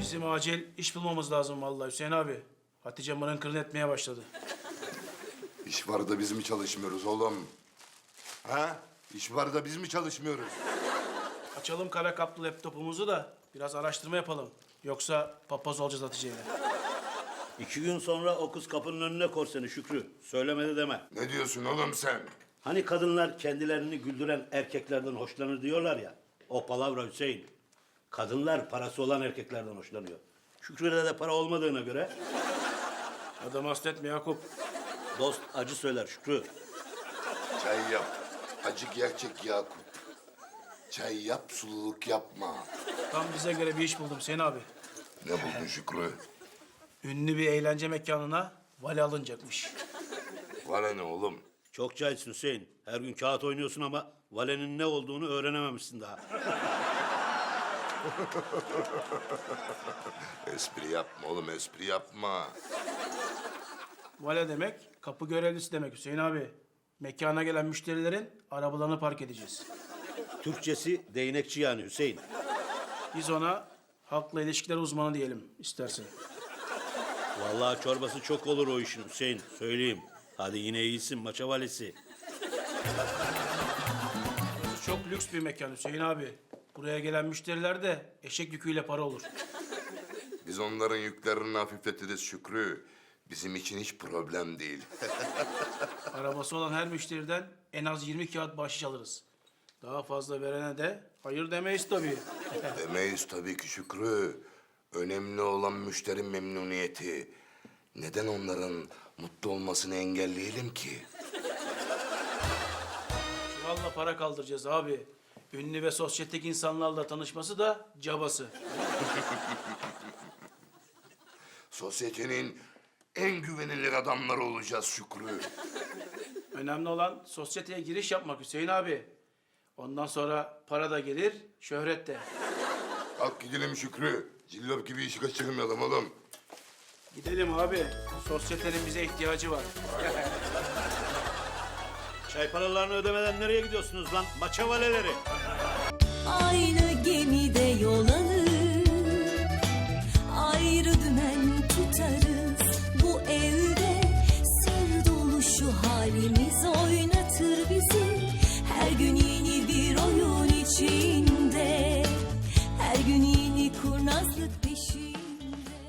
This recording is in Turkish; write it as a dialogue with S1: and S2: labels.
S1: Bizim acil iş bulmamız lazım vallahi Hüseyin abi. Hatice mırın kırın etmeye başladı.
S2: İş var da biz mi çalışmıyoruz oğlum? Ha? İş var da biz mi çalışmıyoruz?
S1: Açalım kara kaplı laptopumuzu da biraz araştırma yapalım. Yoksa papaz olacağız Hatice'yle.
S3: 2 gün sonra o kız kapının önüne kor seni Şükrü. Söylemedi deme.
S2: Ne diyorsun oğlum sen?
S3: Hani kadınlar kendilerini güldüren erkeklerden hoşlanır diyorlar ya. O palavra Hüseyin. Kadınlar parası olan erkeklerden hoşlanıyor. Şükrü'de de para olmadığına göre
S1: Adam hasretme Yakup.
S3: dost acı söyler Şükrü.
S2: Çay yap. Acık gerçek Yakup. Çay yap, sululuk yapma.
S1: Tam bize göre bir iş buldum Hüseyin abi.
S2: Ne buldun Şükrü?
S1: Ünlü bir eğlence mekanına vali alınacakmış.
S2: Bana ne oğlum?
S3: Çok cahilsin Hüseyin. Her gün kağıt oynuyorsun ama valenin ne olduğunu öğrenememişsin daha.
S2: Espri yapma oğlum, espri yapma.
S1: Vale demek kapı görevlisi demek Hüseyin abi. Mekana gelen müşterilerin arabalarını park edeceğiz.
S3: Türkçesi değnekçi yani Hüseyin.
S1: Biz ona halkla ilişkiler uzmanı diyelim istersen.
S3: Vallahi çorbası çok olur o işin Hüseyin. Söyleyeyim. Hadi yine iyisin maça valisi.
S1: Çok lüks bir mekan Hüseyin abi. Buraya gelen müşteriler de eşek yüküyle para olur.
S2: Biz onların yüklerini hafifletiriz Şükrü. Bizim için hiç problem değil.
S1: Arabası olan her müşteriden en az 20 kağıt bahşiş alırız. Daha fazla verene de hayır demeyiz tabii.
S2: Demeyiz tabii ki Şükrü. Önemli olan müşteri memnuniyeti. Neden onların mutlu olmasını engelleyelim ki?
S1: Çuvalla para kaldıracağız abi. Ünlü ve sosyetik insanlarla tanışması da cabası.
S2: Sosyetenin en güvenilir adamları olacağız Şükrü.
S1: Önemli olan sosyeteye giriş yapmak Hüseyin abi. Ondan sonra para da gelir, şöhret de.
S2: Kalk gidelim Şükrü. Cillop gibi işi kaçırmayalım oğlum.
S1: Gidelim abi. Sosyetenin bize ihtiyacı var.
S3: Çay paralarını ödemeden nereye gidiyorsunuz lan? Maça valeleri.
S4: Aynı gemide yol alır, ayrı dümen tutarız. Bu evde sır dolu şu halimiz oynar.